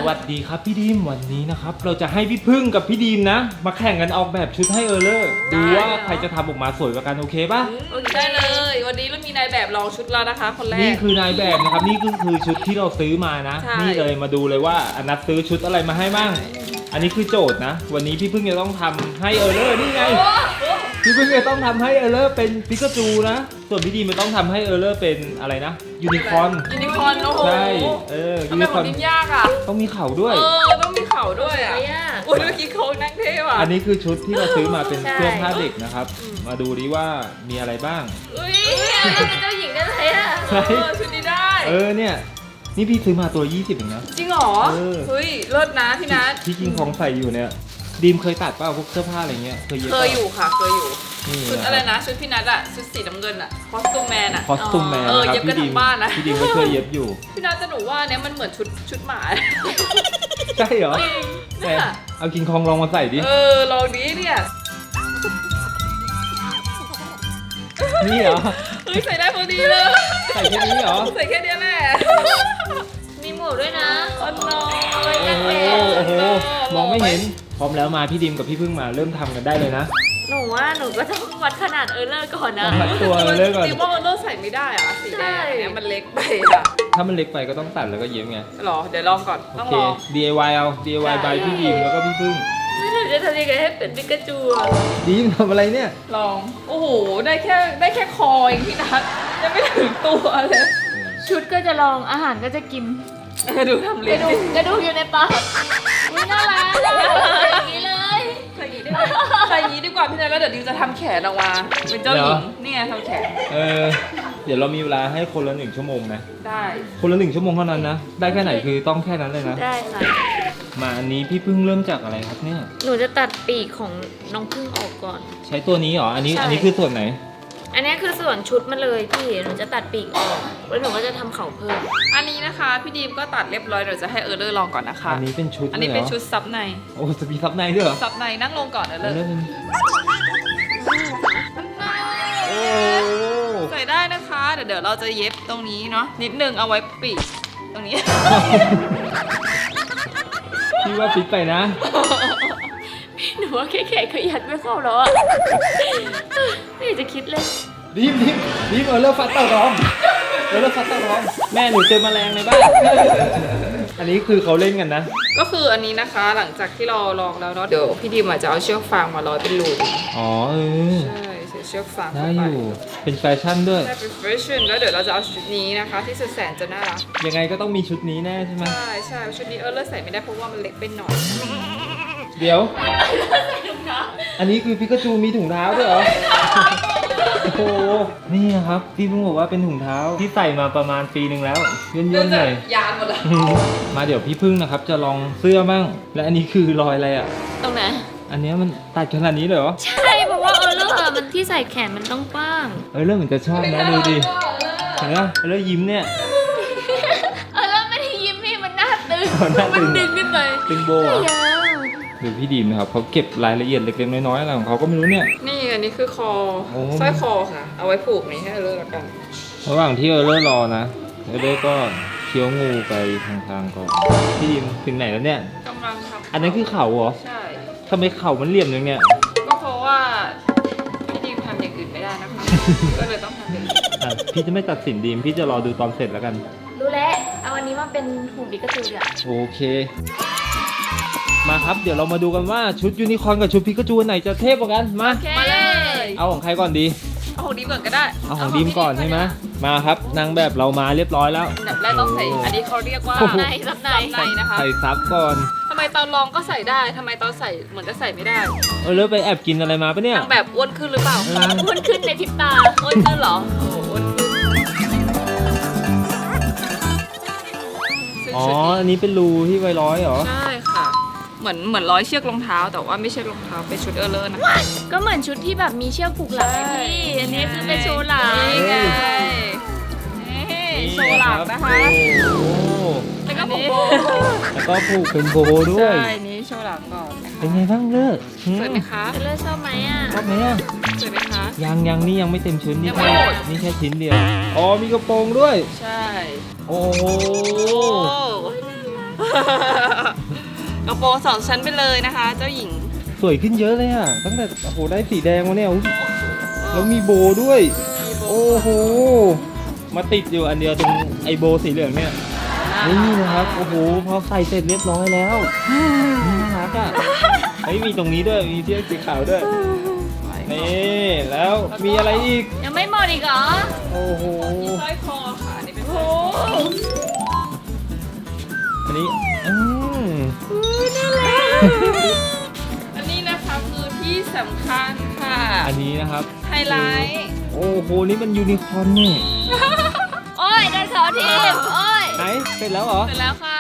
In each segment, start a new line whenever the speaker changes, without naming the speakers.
วัสดีครับพี่ดีมวันนี้นะครับเราจะให้พี่พึ่งกับพี่ดีมนะมาแข่งกันออกแบบชุดให้เออร์เลอร์ดูว่าใครจะทำออกมาสวยกว่ากันโอเคป่ะ
โอเคได้เลยวันนี้เรามีนายแบบลองชุดแล้วนะคะคนแรก
นี่คือนายแบบนะครับนี่ก็คือชุดที่เราซื้อมานะ
ใช่
นี่เลยมาดูเลยว่าอนัทซื้อชุดอะไรมาให้บ้างอันนี้คือโจทย์นะวันนี้พี่พึ่งจะต้องทำให้เออร์เลอร์นี่ไงพี่พึ่งจะต้องทำให้เออร์เลอร์เป็นปิกาจูนะส่วนพี่ดีมมันต้องทำให้เออร์เลอร์เป็นอะไรนะยูนิคอร์น
ยูนิคอร์นโอ้โห
ใช่ยู
ทำไม
นิ
ข
ค
อ
อง ร์น
ดิมยากอ่ะ
ต้องมีเข่าด้วย
ต้องมีเข่าด้วยอ่ะอุ้ยเมื่อกี้เขานั่งเท่ว่ะ
อันนี้คือชุดที่เราซื้อมาเป็น
ใช่
เสื้อผ้าเด็กนะครับ มาดูดิว่ามีอะไรบ้าง
อุ้ย
เป็นเจ้าหญิงได้เลยอ่ะ
ชุดนี้ได้
เนี่ยนี่พี่ซื้อมาตัว 20เองนะ
จริงเหรอ เฮ้ยเลิศนะพี่นัท
ที่กิงของใส่อยู่เนี่ยดีมเคยตัดเปล่าพวกเสื้อผ้าอะไรเงี้ยเคยเย็บ
เค
เป
ย
ล่า
อยู่ค่ะเคยอยู่
นี่
ชุดอะไรนะ ชุดพี่นัทอะชุดสีน้ำเงินอะคอสตูมแมนอะ
คอสตูมแมน
เย็
นะ
บ
ค
กั
รั
น
บ
ทั้งบ้านนะ
พี่ดีมก็ช่วยเย็บอยู่
พี่นัทจะหนูว่าเนี้ยมันเหมือนชุดหมา
ใช่เหรอแต่เอากิงคองลองมาใส่ดิ
ลองดีเนี่ย
นี่เหรอ
เฮ้ยใส่ได้พอดีเลย
ใส่แค่นี้เหรอ
ใส่แค่เนี้ยแหละ
มีหมวกด้วยนะ
อ๋อน้อ
โอ้โหมองไม่เห็นพร้อมแล้วมาพี่ดีมกับพี่พึ่งมาเริ่มทำกันได้เลยนะ
หนูว่าหนูก็ต้องวัดขนาดเออร์เลอร์ก่อนนะ
วัดตัวเลิกก่อน
จริงว่าเราใส่ไม่ได้อะสีแดงอันเนี้ยมันเล็กไปอะ
ถ้ามันเล็กไปก็ต้องตัดแล้วก็เย็บไง
หรอเดี๋ยวลองก่อน
โอ
ต้อง
เค
ลอง
DIY เอา DIY
ได้
by พี่ดีมแล้วก็พี่พึ่ง
แล้วหนูจะทำยังไงให้เป็นปิกาจูอะ
ดีมทำอะไรเนี่ย
ลองโอ้โหได้แค่คอเองพี่นัทยังไม่ถึงตัวเลย
ชุดก็จะลองอาหารก็จะกิน
ดูทำ
ก
เล็
ระ
บ
ดูกกระดูกอยู่ในปากอุ๊ยน่ารักอย่างนี้เลย
ใส่อย่างนี้ได้ไหมใส่อย่างนี้ดีกว่าพี่นัทแล้วเดี๋ยวดิวจะทำแขนออกมาเป็นเจ้าหญิงเนี่ยทำแขน
เดี๋ยวเรามีเวลาให้คนละ1 ชั่วโมงนะ
ได้
คนละ1 ชั่วโมงเท่านั้นนะ ได้แค่ไหนคือต้องแค่นั้นเลยนะ
ได้ค่ะ
มาอันนี้พี่พึ่งเริ่มจากอะไรครับเนี่ย
หนูจะตัดปีกของน้องพึ่งออกก่อน
ใช้ตัวนี้เหรอ อันนี้
ใช่
อันนี้คือส่วนไหน
อันนี้คือส่วนชุดมาเลยพี่ หนูจะตัดปีกออก แล้วหนูก็จะทำเข่าเพิ่ม
อันนี้นะคะพี่ดีมก็ตัดเรียบร้อยเดี๋ยวจะให้เออร์เลอร์ลองก่อนนะคะ
อันนี้เป็นชุด
อันนี้เป็นชุดซับใน
โอ้จะมีซับในด้วยเหรอ
ซับในนั่งลงก่อนเออร์เลอร์
เริ่มเป็นโอ้
ใส่ได้นะคะเดี๋ยวเราจะเย็บตรงนี้เนาะนิดนึงเอาไว้ปีกตรงนี้
พี่ว่าฟิตไปนะ
หนูว่าแค่ๆก็ยัดไม่เข้าแล้วอะไม่อยากจะคิดเลย
ดีมเริ่มฟัดเต่าร้องเริ่มฟัดเต่าร้องแม่หนูเจอแมลงในบ้านอันนี้คือเขาเล่นกันนะ
ก็คืออันนี้นะคะหลังจากที่เราลองแล้วเนาะเดี๋ยวพี่ดีมอาจจะเอาเชือกฟางมาร้อยเป็นรู
อ๋อ
ใช่ใส่เชือกฟาง
ได้
เข้า
อ
ไป
ยู่เป็นแฟชั่นด้วย
ได้เป็นแฟชั่นแล้วเดี๋ยวเราจะเอาชุดนี้นะคะที่สุดแสนจะน่ารัก
ยังไงก็ต้องมีชุดนี้แน่ใช่ไหม
ใช่ชุดนี้เออร์เลอร์ใส่ไม่ได้เพราะว่ามันเล็กไปหน่อย
เดี๋ยว อันนี้คือพิกาจูมีถุงเท้าด้วยเหรอ โอ้โห นี่ครับ พี่เพิ่งบอกว่าเป็นถุงเท้าที่ใส่มาประมาณปีหนึ่งแล้วย่นๆหน่อย
ยานหมดเลย
มาเดี๋ยวพี่พึ่งนะครับจะลองเสื้อบ้าง และอันนี้คือรอยอะไรอ่ะ
ตรงไหน
อันเนี้ยมันตัดขนาดนี้เลยเหรอ
ใช่เพราะว่าเออร์เลอร์อะมันที่ใส่แขนมันต้องกว้าง
เริ่มเหมือนจะชอบนะดูดิ เห็นไหมเริ่มยิ้มเนี่ย
เออร์เลอร์ไม่ได้ยิ้มพี่มันหน้าตึง
หน้าตึง
มันดึงขึ้นไป
ตึงโบ
ไม่
อ่ะ
ยาว
ดูพี่ดีมนะครับเขาเก็บรายละเอียดเล็กๆน้อยๆอะไรของเขาก็ไม่รู้เนี่ย
นี่อันนี้คือคอ
โอ้
สร้อยคอค่ะ เอาไว้ผูกนี้ให้เออร์เลอร์ละกัน
ระหว่างที่เริ่มรอนะเริ่มก็เคี้ยวงูไปทางๆก่อนพี่ดีมถึงไหนแล้วเนี่ย
กำลังทำ
อันนั้นคือเข่าเหรอ
ใช่
ทำไมเข่ามันเหลี่ยมอย่างเนี้ย
ก็เพราะว่าพี่ดีมทำอย่างอื่นไม่ได้นะคะ ก็เลยต้องทำอย่างอื่น
อ่ะพี่จะไม่ตัดสินดีมพี่จะรอดูตอนเสร็จแล้วกัน
รู้แล้วเอาอันนี้มาเป็นหุ่นปิกาจูเดี๋ยว
โอเค มาครับเดี๋ยวเรามาดูกันว่าชุดยูนิคอร์นกับชุดพิกาจูอันไหนจะเทพกว่ากันมา
มาเลย
เอาของใครก่อนดี
เอาของดีมก่อนก็ได้
เอาของดีมก่อนใช่ไหมมาครับนางแบบเรามาเรียบร้อยแล้ว
อันดับแรกต้องใส่ อันนี้เขาเรียกว่า
โอ้โห
ในซับใน
ซับในนะคะ
ใส่ซับก่อน
ทำไมตอนลองก็ใส่ได้ทำไมตอนใส่เหมือนจะใส่ไม่ได้
เริ่มไปแอบกินอะไรมาปะเนี่ย
นางแบบอ้วนขึ้นหรือเปล่า
อ้วนขึ้นในพริบตา
อ้วนขึ้นเหรอ โอ้โหอ้วนขึ้นซึ่ง
อ๋อ
ชุดนี้
อันนี้เป็นรูที่ไว้ร้อยเหรอ
ใช่ค่ะ เหมือนร้อยเชือกรองเท้า แต่ว่าไม่ใช่รองเท้าเป็นชุดเออร์เลอร์นะคะ
ก็เหมือนชุดที่แบบมีเชือกผูกหลังไงพี่ อันนี้คือเป็นโชว์หลัง
นี่ไงนี่โชว์หลังนะคะ
โอ้โห
แล้วก็ผูกโบ
แล้วก็ผูกเป็นโบด้วย
ใช่นี่โชว์หลังก่อนนะคะ
เป็นไงบ้างเลิก
สวยไหมคะ
เออร์เลอร์ชอบไหมอ่ะ
ชอบไหมอ่ะ
สวยไหมคะ
ยังนี่ยังไม่เต็มชุดนี่
ยังไม่
แค่
หมด
นี่แค่ชิ้นเดียว อ๋อมีกระโปรงด้วย
ใช่
โอ้โห
โอ้ระโปรง2 ชั้นไปเลยนะคะ เจ้าหญิง
สวยขึ้นเยอะเลยอ่ะ ตั้งแต่โอ้โหได้สีแดงมาเนี่ยอุ๊ยแล้วมีโบด้วย โอ้โห มาติดอยู่อันเดียวตรงไอโบสีเหลืองเนี่ย นี่นะครับ โอ้โห พอใส่เสร็จเรียบร้อยแล้วน่ารักอ่ะเฮ้ยมีตรงนี้ด้วย มีเชือกสีขาวด้วย นี่แล้วมีอะไรอีก
ยังไม่หมดอีกเหรอ
โอ้โห
สร้อยคอค่ะอันนี่เป็น
โอ้
สร้อยคอ
อันนี้
น่ารัก
อันนี้นะคะคือที่สำคัญค่ะ
อันนี้นะครับ
ไฮไลท์
โอ้โห นี่มันยูนิคอร์นนี่
โอ้ยโดนเขาทีมโอ้ย
ไหนเสร็จแล้วเหรอ
เสร็จแล้วค่ะ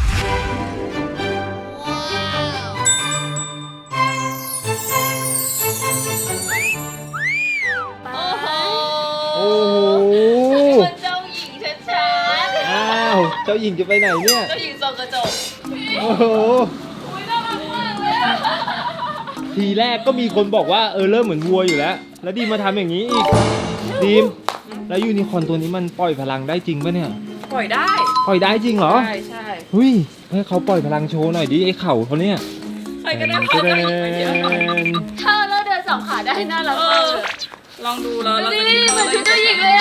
โอ้โห
โอ้โห
เป็นเจ้าหญิงชัด
อ้าว เจ้าหญิงจะไปไหนเนี่ย
ๆเจ้าหญิงส่องกระจก
โอ้โห
อุ้ยน่ารักมากเลยอะ
ทีแรกก็มีคนบอกว่าเริ่มเหมือนวัวอยู่แล้ว แล้วดีมมาทำอย่างนี้อีก ดีม แล้วยูนิคอร์นตัวนี้มันปล่อยพลังได้จริงปะเนี่ย
ปล่อยได้
ปล่อยได้จริงเหรอ
ใช่ใช่
เฮ้ยให้เขาปล่อยพลังโชว์หน่อยดิไอ้เข่าเขาเนี่ย
ใครก็ได้เข้า
เด
เจ้าหญิงไปเยอะ
น
ถ้าเราเดินสองขาได้น่ารัก
เอ
มาก
อ
เลย
ลองดูแล้วเรา
นี่
จะ
เหมือนชุดเจ้าหญิงเลยอะ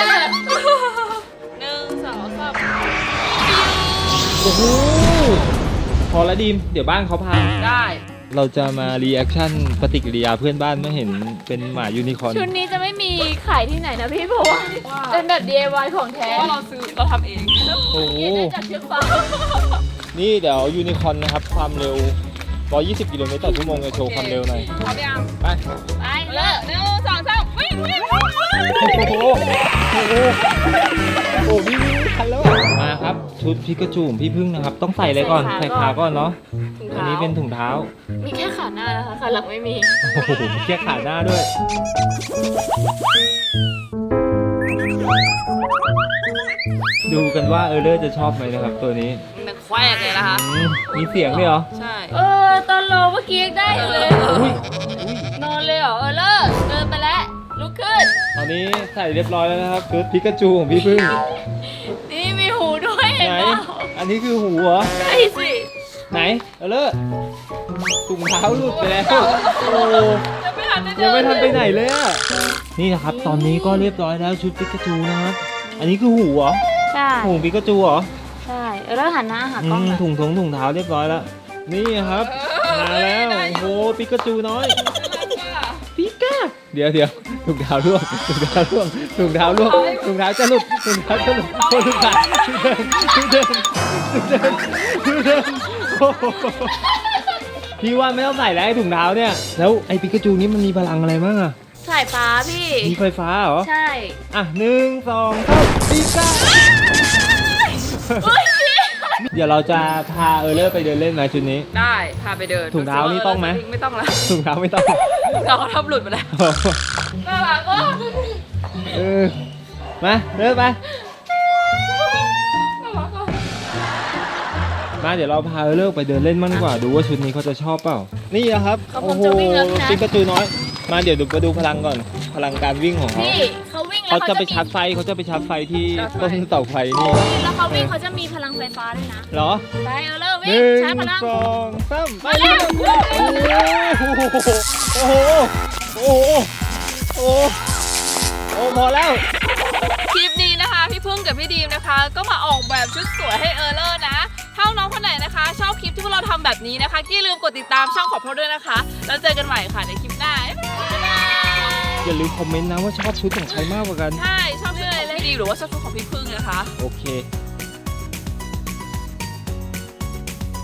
1 2 3
โอ้โห พอแล้วดีม เดี๋ยวบ้านเขาพัง
ได้
เราจะมารีแอคชั่นปฏิกิริยาเพื่อนบ้านเมื่อเห็นเป็นหมายูนิคอร์น
ชุดนี้จะไม่มีขายที่ไหนนะพี่เพราะว่าเป็นแบบ DIY ของแท้
เพราะเราซื้อเราทำเอง
โอ้โห
เขียนได้จากเชือกฟาง
นี่เดี๋ยวยูนิคอร์นนะครับ ความเร็ว 120 กิโลเมตรต่อชั่วโมงจะโชว์ความเร็วหน่อย
พร้อมยัง
ไป
ไป
เลิ
เลิ
ก
ก
1 2 3วิ่งวิ่ง
โอ้โห โอ้โห โอ้พี่วิ่งทันแล้วอะมาครับ ชุดพิกาจูของพี่พึ่งนะครับ ต้องใส่อะไรก่อน ใส่ขาก่อนเนาะ อันนี้เป็นถุงเท้า
มีแค่ขาหน้านะคะขาหลังไม่มี
โอ้โหมีแค่ขาหน้าด้วย ดูกันว่าเลอร์จะชอบไหมนะครับตัวนี้
มันแควกเลยนะคะ
มีเสียงด้วยเหรอ
ใช่
ตอนรอเมื่อกี้ยังได้อยู่เลย
อุ้ย
นอนเลยเหรอเลิกเดินไปแล้วลุกขึ้น
ตอนนี้ใส่เรียบร้อยแล้วนะครับชุดพิกาจูของพี่พึ่ง
นี่มีหูด้วยเห็น
ไหน
เปล่า
อันนี้คือหูเหรอ
ใช่สิ
ไหนเลอร์ถุงเท้าหลุดไปแล้ว โอ้
ยังไม่ทันได้เดิน
ยังไม่ทันไปไหนเลยอะนี่นะครับ ตอนนี้ก็เรียบร้อยแล้วชุดปิกาจูนะครับ อันนี้คือหูเหรอ
ใช่
หูปิกาจูเหรอ
ใช่แล้วหันหน้าหากล้องหน่อย
ถุงเท้าเรียบร้อยแล้ว นี่ครับ มาแล้ว โอ้โหปิกาจูน้อย ปิกาเดี๋ยวถุงเท้าร่วงถุงเท้าร่วงถุงเท้าร่วงถุงเท้าจะหลุดถุงเท้าจะหลุดโอ้ถุงเท้าเดินโอ้โหพี่ว่าไม่ต้องใส่แล้วไอ้ถุงเท้าเนี่ย แล้วไอ้ปิกาจูนี่มันมีพลังอะไรบ้างอะ
สายฟ้าพี่
มีไฟฟ้าเหรอ
ใช่
อ่ะ1 2 3ปิกาเดี๋ยวเราจะพาเลอร์ไปเดินเล่นไหมชุดนี้
ได้พาไปเดิน
ถุงเท้านี่ต้องไหม
ไม่ต้องแล้ว
ถุงเท้าไม่ต้อง
เราเขาทำหลุดไปแล้วน่ารักมาก
มาเดินไป มาเดี๋ยวเราพาเลอร์ไปเดินเล่นมั่งดีกว่า ดูว่าชุดนี้เขาจะชอบเปล่า นี่นะครับ
เขาคงจะวิ่งแล้วนะ
ปิกาจูน้อย มาเดี๋ยวดูไปดูพลังก่อน พลังการวิ่งของเขา
นี่เขาวิ่งแล้ว
เขาจะไปชาร์จไฟเขาจะไปชาร์จไฟที่ต้นเสาไฟนี่
แล้วเขาวิ่งเขาจะมีพลังไฟฟ้าด้วยนะ
เหรอ
ไปเลิก
ห
วิ่ง
นึ่ง
ใช้พลัง
สองสามไป
มาเร็ว
โอ้โหโอ้โหโอ้โหโอ้โหโอ้พอแล้ว
คลิปนี้นะคะพี่พึ่งกับพี่ดีมนะคะ ก็มาออกแบบชุดสวยให้เลอร์นะ ถ้าน้องคนไหนนะคะ ชอบคลิปที่พวกเราทำแบบนี้นะคะอย่าลืมกดติดตามช่องของพวกเราด้วยนะคะ แล้วเจอกันใหม่ค่ะในคลิปหน้าบ๊ายบาย
อย่าลืมคอมเมนต์นะว่าชอบชุดของใครมากกว่ากัน
ใช่ชอบชุดอะไรเลยพี่ดีมหรือว่าชอบชุดของพี่พึ่งนะคะ
โอเค